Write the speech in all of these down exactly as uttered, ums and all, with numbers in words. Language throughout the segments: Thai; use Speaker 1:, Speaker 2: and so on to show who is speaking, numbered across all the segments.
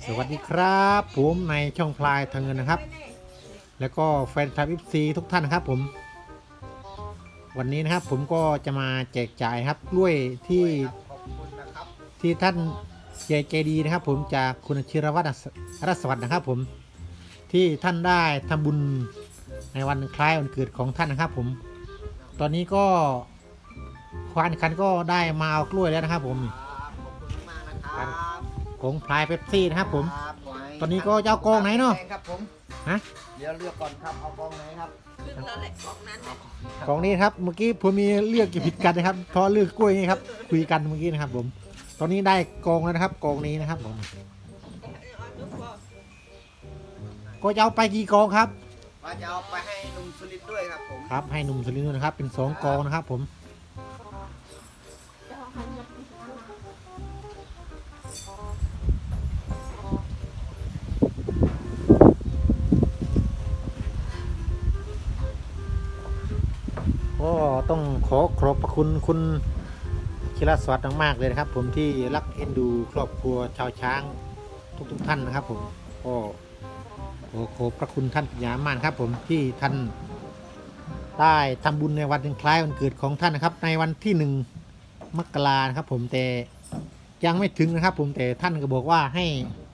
Speaker 1: สวัสดีครับผมในช่องพลายทางเงินนะครับแล้วก็แฟนคลับ เอฟ ซี ทุกท่านนะครับผมวันนี้นะครับผมก็จะมาแจกจ่ายครับกล้วยที่ที่ท่านใจใจดีนะครับผมจากคุณชิรวัตรรัศวัตรนะครับผมที่ท่านได้ทำบุญในวันคล้ายวันเกิดของท่านนะครับผมตอนนี้ก็ควานคันก็ได้มาเอากล้วยแล้วนะครับผมของพลายเป๊ปซี่นะครับผมตอนนี้ก็เจ้ากองไหนเนาะ
Speaker 2: ครับผม
Speaker 1: ฮะ
Speaker 2: เดี๋ยวเลือกก่อนครับเอากองไหนครับ
Speaker 3: ขึ้นแล้วแหละกองนั้นแหละ
Speaker 1: กองนี้ครับเมื่อกี้ผมมีเลือกผิดกันนะครับเพราะเลือกกล้วยนี่ครับคุยกันเมื่อกี้นะครับผมตอนนี้ได้กองแล้วนะครับกองนี้นะครับผมก็จะเอาไปกี่กองครับ
Speaker 2: ว่าจะเอาไปให้ลุงสุริตด้วยครับผม
Speaker 1: ครับให้หนุ่มสุรินทร์ด้วยนะครับเป็นสองกองนะครับผมก็ต้องขอขอบพระคุณคุณชิรสวัสดิ์มากๆเลยนะครับผมที่รักเอ็นดูครอบครัวชาวช้างทุกๆท่านนะครับผมก็ขอขอบพระคุณท่านปัญญามากครับผมที่ท่านได้ทำบุญในวันคล้ายวันเกิดของท่านนะครับ ในวันที่หนึ่งมกรานะครับผมแต่ยังไม่ถึงนะครับผมแต่ท่านก็บอกว่าให้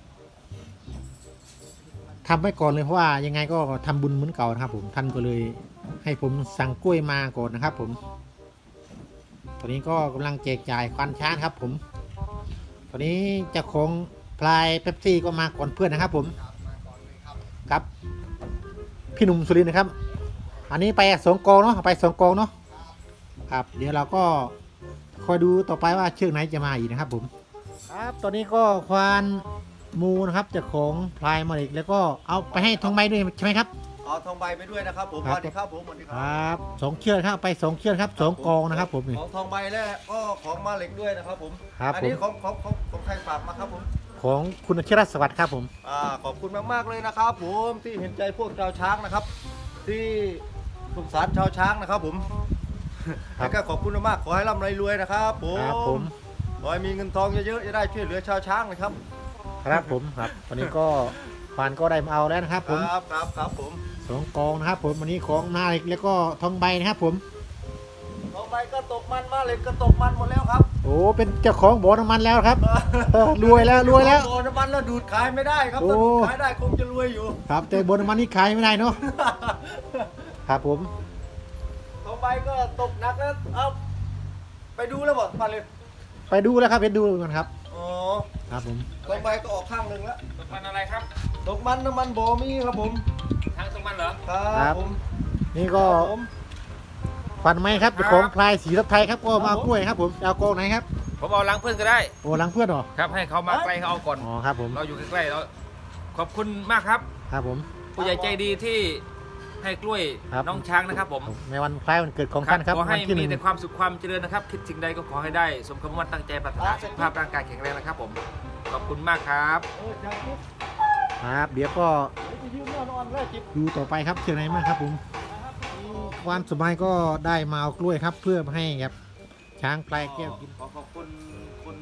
Speaker 1: ทำไว้ก่อนเลยเพราะว่ายังไงก็ทำบุญเหมือนเก่านะครับผมท่านก็เลยให้ผมสั่งกล้วยมาก่อนนะครับผมตอนนี้ก็กำลังแจกจ่ายควานช้างครับผมตอนนี้เจ้าของพลายเป๊ปซี่ก็มาก่อนเพื่อนนะครับผมครับพี่หนุ่มสุรินทร์นะครับอันนี้ไปสองกองเนาะไปสองกองเนาะครับเดี๋ยวเราก็คอยดูต่อไปว่าเชือกไหนจะมาอีกนะครับผมครับตอนนี้ก็ควานมูนะครับเจ้าของพลายมาเล็กแล้วก็เอาไปให้ทองใบด้วยใช่ไหมครับ
Speaker 2: เอาทองใบไปด้วยนะครับผมสวัสดีครับผมสวัสดีค
Speaker 1: ค
Speaker 2: รั
Speaker 1: รับสองเชือกครับไปสองเชือกครับสองกองนะครับผมนี่
Speaker 2: ของทองใบและก็ของมาเหล็กด้วยนะครับผม
Speaker 1: ครับ
Speaker 2: อันี้ของของของของใครฝากมาครับผม
Speaker 1: ของคุณชิรสวัสดิ์ครับผม
Speaker 2: อ่าขอบคุณมากๆเลยนะครับผมที่เห็นใจพวกชาวช้างนะครับ ที่สงสารชาวช้างนะครับผมแล้วก็ขอบคุณมากๆขอให้ร่ำรวยๆนะครับผม
Speaker 1: ครับผม
Speaker 2: ขอให้มีเงินทองเยอะๆจะได้ช่วยเหลือชาวช้างนะครับ
Speaker 1: ครับผมครับวันนี้ก็ควานก็ได้มาเอาแล้วนะครับผม
Speaker 2: ครับครับครับผม
Speaker 1: สองกองนะครับผมวันนี้ของนาเล็กแล้วก็ทองใบนะครับผม
Speaker 2: ทองใบก็ตกมันมาเหล็กก็ตกมันหมดแล้วครับ
Speaker 1: โอ้เป็นเจ้าของบ่อน้ำมันแล้วครับเออรวยแล้วรวยแล้ว
Speaker 2: โดนน้ำมันแล้วดูดขายไม่ได้ครับ
Speaker 1: โอ้
Speaker 2: ถ้าดูดขายได้คงจะรวยอยู่
Speaker 1: ครับแต่บ่อน้ำมันนี่ขายไม่ได้เนาะครับผม
Speaker 2: ทองใบก็ตกหนักแล้วเอาไปดูแล้วบ่มาเลย
Speaker 1: ไปดูแล้วครับไปดูกันครับ
Speaker 2: อ๋อ
Speaker 1: ครับผม
Speaker 2: ทองใบก็ออกข้างหนึ่งแล้ว
Speaker 4: ตกมันอะไรครับ
Speaker 2: ตกมันน้ำมันบ่มีครับผม
Speaker 4: ทางตกมันเหรอ
Speaker 2: ครับผม
Speaker 1: นี่ก็
Speaker 2: ครับผม
Speaker 1: ฟันไหมครับเจ้าของพลายสีทับไทยครับก็มาเอากล้วยครับผมเอากองไหนครับ
Speaker 4: ผมเอาล้างเพื่อนก็ได้
Speaker 1: โอ้หลังเพื่อนเหรอ
Speaker 4: ครับ ให้เขามาใกล้เขาเอาก่อน
Speaker 1: อ๋อครับผม
Speaker 4: เราอยู่ใกล้ๆเราขอบคุณมากครับ
Speaker 1: ครับผม
Speaker 4: ผู้ใหญ่ใจดีที่ให้กล้วย
Speaker 1: ครับ
Speaker 4: น้องช้างนะครับผม
Speaker 1: ในวันคล้ายวันเกิดของท่านครับ
Speaker 4: ขอให้
Speaker 1: วันที่ห
Speaker 4: มี
Speaker 1: นึ่ง
Speaker 4: แต่ความสุขความเจริญนะครับ คิดสิ่งใดก็ขอให้ได้ สมคำมั่นตั้งใจปรารถนาสุขภาพร่างกายแข็งแรงนะครับผม ขอบคุณมากครับ
Speaker 2: เออจากนี้
Speaker 1: ครับเดี๋ยวก็
Speaker 2: ไปยืมนอนๆเลยจิบ
Speaker 1: ดูต่อไปครับเชียงไหนมากครับผมความสบายก็ได้มาเอากล้วยครับ เพื่อให้ครับช้างพลายแก้วกิน
Speaker 4: ขอขอบคุณคุณ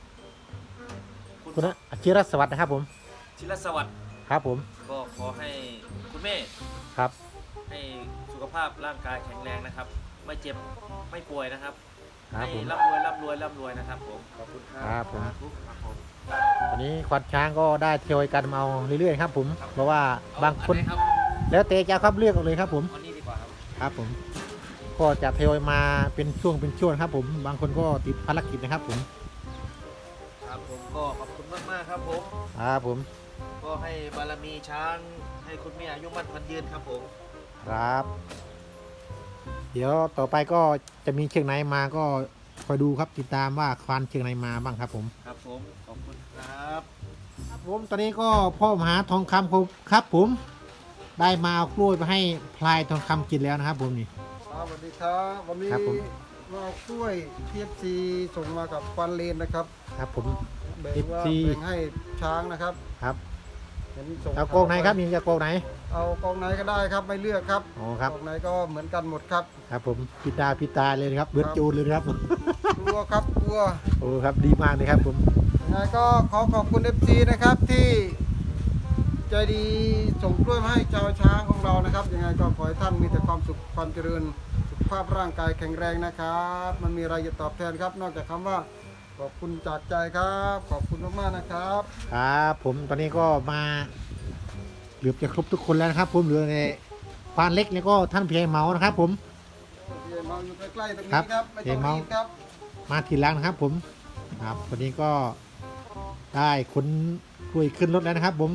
Speaker 1: คุณอาชิรสวัสดิ์นะครับผม
Speaker 4: ชิรสวัสดิ์
Speaker 1: ครับผม
Speaker 4: ก็ขอให้คุณแม่
Speaker 1: ครับ
Speaker 4: ให้สุขภาพร่างกายแข็งแรงนะครับ ไม่เจ็บไม่ป่วยนะครับ
Speaker 1: ครับ
Speaker 4: ให้
Speaker 1: ผม
Speaker 4: ร่ำรวยร่ำรวยร่ำรวยนะครับผมขอบคุณครั
Speaker 1: ครับผม
Speaker 4: ครับผม
Speaker 1: วันนี้ควานช้างก็ได้เที่ยวกันมาเอาเรื่อยๆครับผมเพราะว่าบางคน
Speaker 4: อัไหครับ
Speaker 1: แล้วเตะจะครับเลือกเอาเลยครับผม
Speaker 4: อันนี้ดีกว่าครับ
Speaker 1: ครับผมก็จะเที่ยวมาเป็นช่วงเป็นช่วงครับผมบางคนก็ติดภารกิจนะครับผม
Speaker 4: ครับผมก็ขอบคุณมากมากๆครับผม
Speaker 1: ครับผม
Speaker 4: ก็ให้บารมีช้างให้คุณแม่อายุมั่นพันยืนครับผม
Speaker 1: ครับ เดี๋ยวต่อไปก็จะมีเชียงไหนมาก็คอยดูครับติดตามว่าควานเชียงไหนมาบ้างครับผม
Speaker 4: ครับผมขอบคุณครับ
Speaker 1: ครับผมตอนนี้ก็พ่อมหาทองคำครับผมได้มาเอากล้วยไปให้พลายทองคำกินแล้วนะครับผมนี่
Speaker 5: ครับสวัสดีครับวันนี้
Speaker 1: ครับผม
Speaker 5: เรากล้วยพีเอฟซีส่งมากับฟันเลนนะครับ
Speaker 1: ครับผม
Speaker 5: แบ่งว่า
Speaker 1: เอฟซี
Speaker 5: แบ่งให้ช้างนะครับ
Speaker 1: ครับ
Speaker 5: เห็นส่ง
Speaker 1: เอากองไหนครับนี่จะกองไหน
Speaker 5: เอากองไหนก็ได้ครับไม่เลือกครับ
Speaker 1: อ๋อครับ
Speaker 5: กองไหนก็เหมือนกันหมดครับ
Speaker 1: ครับผมพิตาพิตาเลยนะครับเบิร์ดจูนเลยนะครับ
Speaker 5: กลัวครับกลัว
Speaker 1: โอ้ครับดีมากเลยครับผม
Speaker 5: อืยังไงก็ขอขอบคุณ เอฟ ซี นะครับที่ใจดีส่งกล้วยมาให้ชาวช้างของเรานะครับยังไงก็ขอให้ท่านมีแต่ความสุขความเจริญสุขภาพร่างกายแข็งแรงนะครับมันมีอะไรจะตอบแทนครับ นอกจากคำว่าขอบคุณจากใจครับ ขอบคุณมากๆนะครับ
Speaker 1: ครับผมตอนนี้ก็มาเหลือบจะครบทุกคนแล้วนะครับ ผมเหลือในปานเล็กแล้วก็ท่านเพียงเมานะครับ ผม
Speaker 5: เพียงเมาอยู่ใกล้ๆตรง
Speaker 1: ครั
Speaker 5: นี้
Speaker 1: บ
Speaker 5: ครับไม่
Speaker 1: เพี
Speaker 5: ต้
Speaker 1: ย
Speaker 5: อง ง
Speaker 1: เมา
Speaker 5: รีบครับ
Speaker 1: มาทีหลังนะครับ ผมครับวันนี้ก็ได้ขนกล้วยขึ้นรถแล้วนะครับ ผม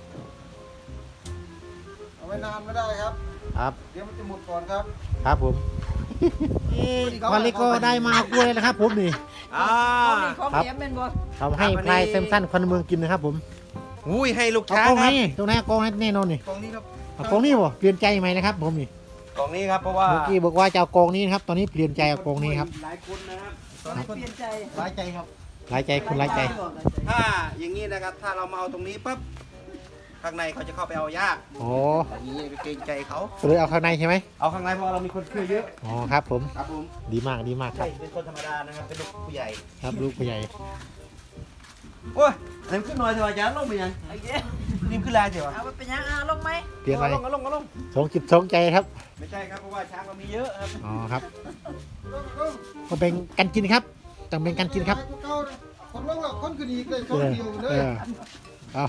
Speaker 5: เอาไว้นานไม่ได้ครับ
Speaker 1: ครับ
Speaker 5: เดี๋ยวมันจะหมดก่อนครับ
Speaker 1: ครับผมปานเล็กก็ได้มาเอากล้วยแล้วนะครับ ผมนี่
Speaker 2: อ่า
Speaker 3: ของ
Speaker 1: ครับ
Speaker 3: แถมเป็นบ่
Speaker 1: ทำให้พลายเซมสันควันเมืองกินนะครับ ผม
Speaker 2: อุ้ยให้ลูก
Speaker 1: เอา
Speaker 2: ช้าง
Speaker 1: กอง
Speaker 2: ค
Speaker 1: ไหน
Speaker 2: รับ
Speaker 1: ตรงไหนเอากองให้แน่นอนนี่
Speaker 2: กองนี้ครับ
Speaker 1: เอากองนี้บ่เปลี่ยนใจไหมนะครับ ผมนี่
Speaker 2: กองนี้ครับเพราะว่า
Speaker 1: เมื่อกี้บอกว่าจะเอากองนี้นะครับ ตอนนี้เปลี่ยนใจเอากองนี้ครับ
Speaker 2: หลายคนนะครับ
Speaker 5: ตอนนี้คน
Speaker 3: เปลี่ยนใจ
Speaker 5: หลายใจครับ
Speaker 1: หลายใจคุณหลายใจ
Speaker 2: ถ้าอย่างนี้นะครับถ้าเรามาเอาตรงนี้ปั๊บข้างในเขาจะเข้าไปเอายาก
Speaker 1: โอ้
Speaker 2: อย่างนี้ไปเกรงใจเขา
Speaker 1: ก็เลยเอาข้างในใช่ไหม
Speaker 2: เอาข้างในเพราะเรามีคนช่วยเยอะ
Speaker 1: อ๋อครับ ผม
Speaker 2: ครับผม
Speaker 1: ดีมากดีมากครั
Speaker 2: ใช่
Speaker 1: บ
Speaker 2: เป็นคนธรรมดานะครับเป็นลูกผู้ใหญ่
Speaker 1: ครับลูกผู้ใหญ่
Speaker 2: โอ้ยเต็มขึ้นหน่อยเถอะอาจารย์ลงไปยัง
Speaker 3: โอเค
Speaker 2: นิ่มขึ้นแรงเถอะ
Speaker 3: เอาไปเป็นยังอ่ะลงไหม
Speaker 1: เปลี่ยนอะไร
Speaker 2: ลงลงลง
Speaker 1: สองจิตสองใจครับ
Speaker 2: ไม่ใช่ครับเพราะว่าช้างเรามีเยอะครับ
Speaker 1: อ๋อครับ ก็เป็นกันกินครับต้องเป็นกันกินครับ
Speaker 5: เก่าเลยคนลงแล้วคนขึ้นอีกเลยสอ
Speaker 1: เอง อ
Speaker 5: เดียวเล
Speaker 1: เอย อเอา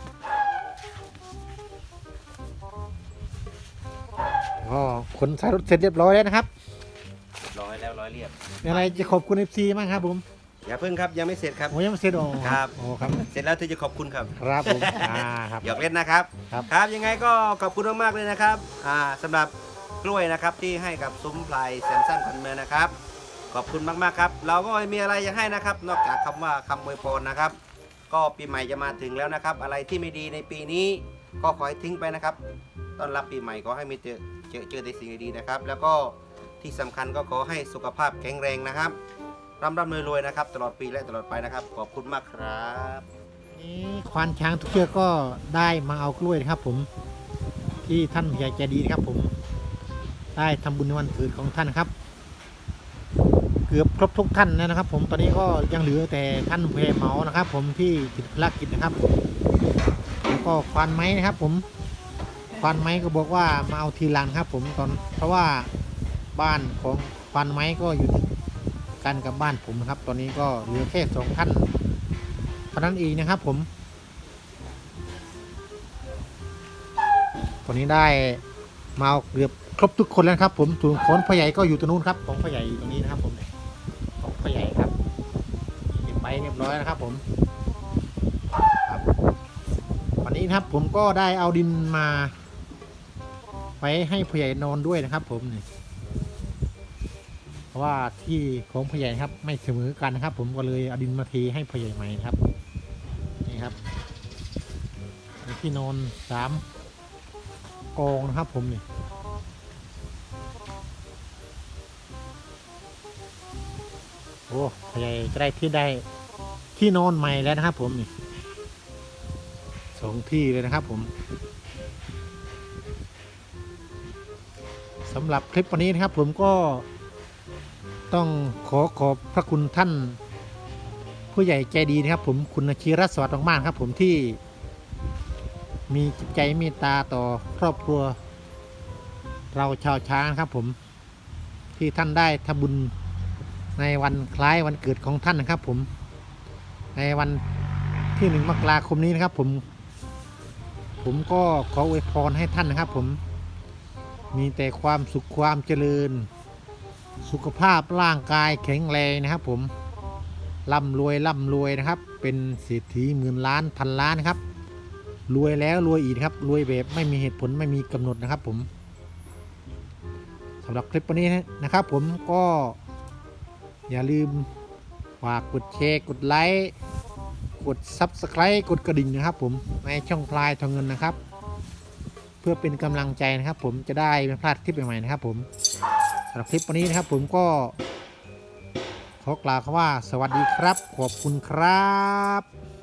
Speaker 1: ก็ขนสายรถเสร็จเรียบร้อยแล้วนะครับ
Speaker 2: ร้อยแล้วร้อยเรียบ
Speaker 1: มีอะไรจะขอบคุณเอฟซีบ้างครับผม
Speaker 2: อย่าเพิ่งครับยังไม่เสร็จครับ
Speaker 1: โอ้ยังไม่เสร็จอ๋อ
Speaker 2: ครับ
Speaker 1: โอ้ครับ
Speaker 2: เสร็จแล้วที่จะขอบคุณครับ
Speaker 1: ครับผมอ่าครับ
Speaker 2: หยอกเล่นนะครับ
Speaker 1: ครับ
Speaker 2: ครับยังไงก็ขอบคุณมากๆเลยนะครับอ่าสำหรับกล้วยนะครับที่ให้กับซุ้มพลายแซมสันพันเมืองนะครับ ขอบคุณมากๆครับ เราก็ไม่มีอะไรจะให้นะครับ นอกจากคำว่าคำอวยพรนะครับ ก็ปีใหม่จะมาถึงแล้วนะครับ อะไรที่ไม่ดีในปีนี้ก็ขอให้ทิ้งไปนะครับต้อนรับปีใหม่ก็ให้มีเจอเจอเจอแต่สิ่งดีๆนะครับ แล้วก็ที่สำคัญก็ขอให้สุขภาพแข็งแรงนะครับร่ำร่ำรวยๆนะครับ ตลอดปีและตลอดไปนะครับ ขอบคุณมากครับ
Speaker 1: นี่ควานช้างทุกเชือกก็ได้มาเอากล้วยนะครับ ผมที่ท่านผู้ใหญ่ใจดีนะครับ ผมได้ทำบุญในวันเกิดของท่านครับ เกือบครบทุกท่านแล้วนะครับ ผมตอนนี้ก็ยังเหลือแต่ท่านเพเมานะครับ ผมที่ติดภารกิจนะครับแล้วก็ควานไม้นะครับ ผมควานไม้ก็บอกว่ามาเอาทีหลังครับ ผมตอนเพราะว่าบ้านของควานไม้ก็อยู่กันกับบ้านผมนะครับ ตอนนี้ก็เหลือแค่สองท่านเท่านั้นเองนะครับ ผมตอนนี้ได้มาเอาเกือบครบทุกคนแล้วครับ ผมส่วนของพ่อใหญ่ก็อยู่ตรงนู้นครับของพ่อใหญ่อยู่ตรงนี้นะครับ ผมของพ่อใหญ่ครับเก็บไปเรียบร้อยนะครับ ผมครับวันนี้นะครับ ผมก็ได้เอาดินมาไว้ให้พ่อใหญ่นอนด้วยนะครับ ผมนี่เพราะว่าที่ของพ่อใหญ่ครับไม่เสมอกันนะครับ ผมก็เลยเอาดินมาเทให้พ่อใหญ่ใหม่นะครับนี่ครับมีที่นอนสามกองนะครับ ผมนี่โอ้พ่อใหญ่จะได้ที่ได้ที่นอนใหม่แล้วนะครับ ผมนี่สองที่เลยนะครับ ผมสำหรับคลิปวันนี้นะครับ ผมก็ต้องขอขอบพระคุณท่านผู้ใหญ่ใจดีนะครับ ผมคุณชีรสวัสดิ์มากๆครับ ผมที่มีจิตใจเมตตาต่อครอบครัวเราชาวช้างครับ ผมที่ท่านได้ทำบุญในวันคล้ายวันเกิดของท่านนะครับ ผมในวันที่หนึ่งมกราคมนี้นะครับ ผมผมก็ขออวยพรให้ท่านนะครับ ผมมีแต่ความสุขความเจริญสุขภาพร่างกายแข็งแรงนะครับ ผมร่ำรวยร่ำรวยนะครับ เป็นเศรษฐีหมื่นล้านพันล้านนะครับรวยแล้วรวยอีกครับรวยแบบไม่มีเหตุผลไม่มีกำหนดนะครับ ผมสำหรับคลิปวันนี้นะครับ ผมก็อย่าลืมฝากกดแชร์กดไลค์กด ซับสไครบ์ กดกระดิ่งนะครับ ผมในช่องพลายทองเงินนะครับ เพื่อเป็นกำลังใจนะครับ ผมจะได้ไม่พลาดคลิปใหม่ๆนะครับ ผมสำหรับคลิปวันนี้นะครับ ผมก็ขอกล่าวคำว่าสวัสดีครับขอบคุณครับ